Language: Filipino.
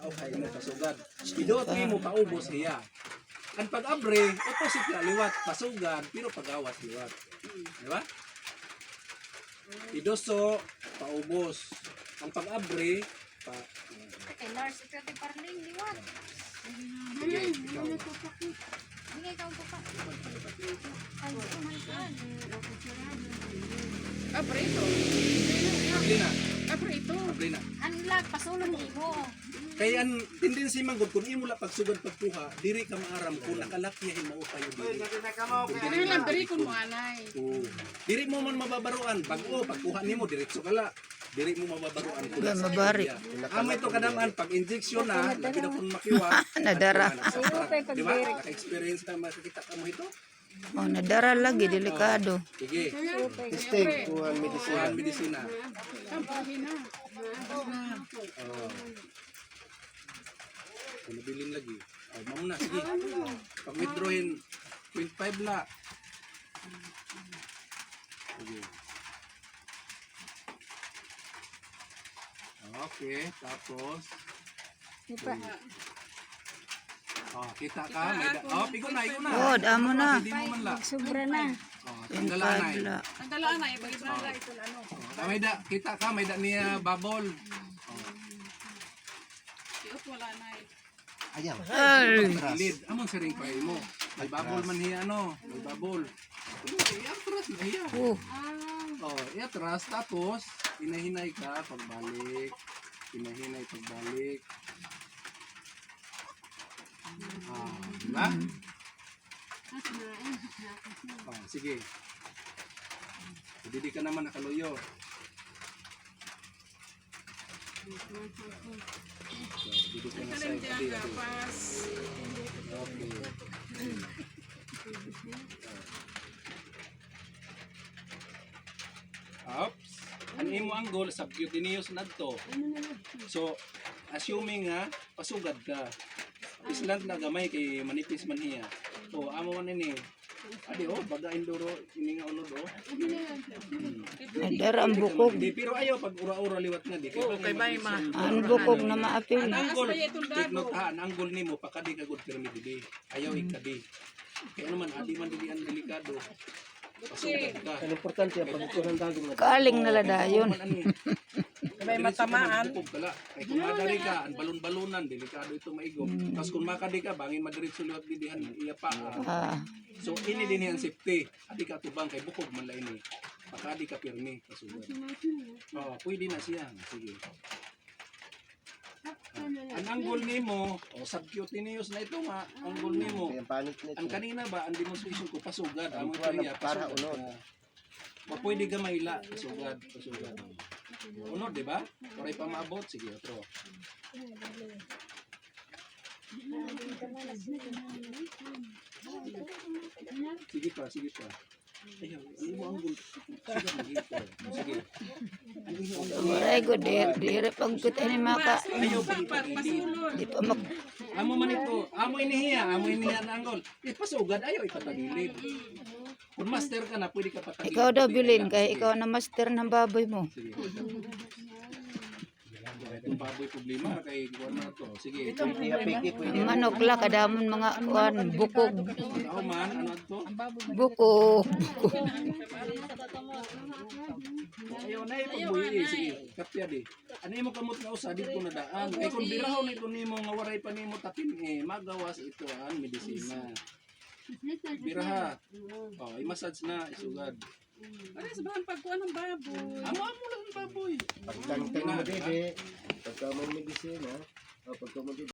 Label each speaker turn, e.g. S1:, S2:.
S1: o kay mo kasugad. Idot mo paubos siya. Ang pag-abre, opposite na liwat, pasugad, pero pag-awat liwat. Di ba? Idoso, paubos. Ang pag-abre,
S2: Lars, ito yung parling, liwat.
S1: sige, ikaw.
S2: Bingay ka ang papa. Ay, kumalkan.
S3: Aprito.
S1: Abli na,
S3: Aprito.
S1: abli na.
S2: Anlag, pasulong mo.
S1: Kaya ang tendency man gud kung imo la pagsugad pagkuha, diri ka maaram kung nakalakyahin mo kayo diri.
S3: Ano lang diri kun mo anay.
S1: Oo. Diri mo man mababaruan pag-o pagkuha nimo diretso kala. Diri mo mababaruan kun
S4: Ba, mabari.
S1: Amo ito kadaman pag injection na lagi na kun makiwa.
S4: Nadara.
S1: Di ba? Naka-experience na makikita ka mo ito.
S4: Oh, nadara lagi, delikado.
S1: Sige.
S5: Mistake, kuhan
S1: Kuhaan medisina.
S3: Kampahin na.
S1: Oo. Nabilin lagi. Oh, mamuna sige. Pag withdrawin 0.5 la. Sige. Okay, tapos kita ka, may pigo na.
S4: Oh, damo na.
S1: Hindi mo man la.
S2: Sobra na.
S1: Tanggalan na.
S4: Pagla.
S3: Ang dalaan na ibang ibang ito ano.
S1: May da, kita ka, may da niya babol.
S3: Iot wala na.
S5: Ayaw.
S4: Ay.
S1: Lid, amon sa ring pahay mo. May babol man hiya ano, may babol. Iatras na hiya.
S4: Oh,
S1: Iatras, tapos, hinahinay ka, pagbalik. Hinahinay, pagbalik. Diba? Sige. Hindi ka naman nakaluyo. Hindi ka na
S3: Kalim
S1: side.
S3: diyan kapas.
S1: Okay. Oops. Ang imo ang goal subcutaneous nadto. So, assuming nga pasugad ka. Island na gamay kay manipis man hiya. O amo man ini. Adi baga indoro ini nga unod
S4: nadara ang bukog.
S1: Di pero ayo pag ura-ura liwat nga di kay bay ma.
S4: Ang bukog na maapil.
S1: Ang anggol, take note ha, ang anggol nimo pakadi ka good pyramid di. Ayaw ikadi. Kaya naman adi man dili ang delikado. Pasugad ka.
S5: Ang importante ang pagkuhan dagong na.
S4: Kaling naladayon.
S1: May matamaan. Kay kung madari ka, ang balon-balonan, delikado ito maigom. Tapos kung makadi ka, bangin madiretso liwat didihan, iya pa.
S4: Ah,
S1: So ini din ang safety. Adi ka tubang kay bukog man la ini. Pakadi ka pirmi pasugad. Pwede na siya. Sige. Ang anggol nimo, subcutaneous na ito nga, anggol nimo.
S5: Ang panik nito.
S1: Ang kanina ba, ang demonstration ko pasugad, amo
S5: Ang
S1: niya
S5: para
S1: pasugad.
S5: unod.
S1: Pwede ka maila, pasugad. Unod, di ba? Para pa maabot, sige, otro. Sige pa. Ayaw, ano mo anggol? Sige.
S4: Aray ko, dire pagkut ini maka.
S1: Ayaw, pag
S4: Di pa mak...
S1: amo man ito, amo inihiya na anggol. Pasugad, ayaw ipatagilid. Kung master ka na, pwede ka patagilid.
S4: Ikaw daw bilin, kaya ikaw na master ng baboy mo.
S1: Sige. Itong baboy problema kay kuwan na to. Sige.
S4: Ang manok la, kadamon mga kuan, bukog.
S1: Ako man, ano to?
S4: Bukog.
S1: Ayaw na ipagbuhi. Sige, kapya di. Ano yung kamot nga usa dito na daan. Kay kung birahon ito nimo nga waray pa nimo tapin magawas ito ang medisina. Biraha. I-massage na, isugad.
S3: Ano sa bahan pagkuha ng baboy.
S1: Amo lang ang baboy.
S5: Pagkantay mo dede, pagka mo medisina, pagka mo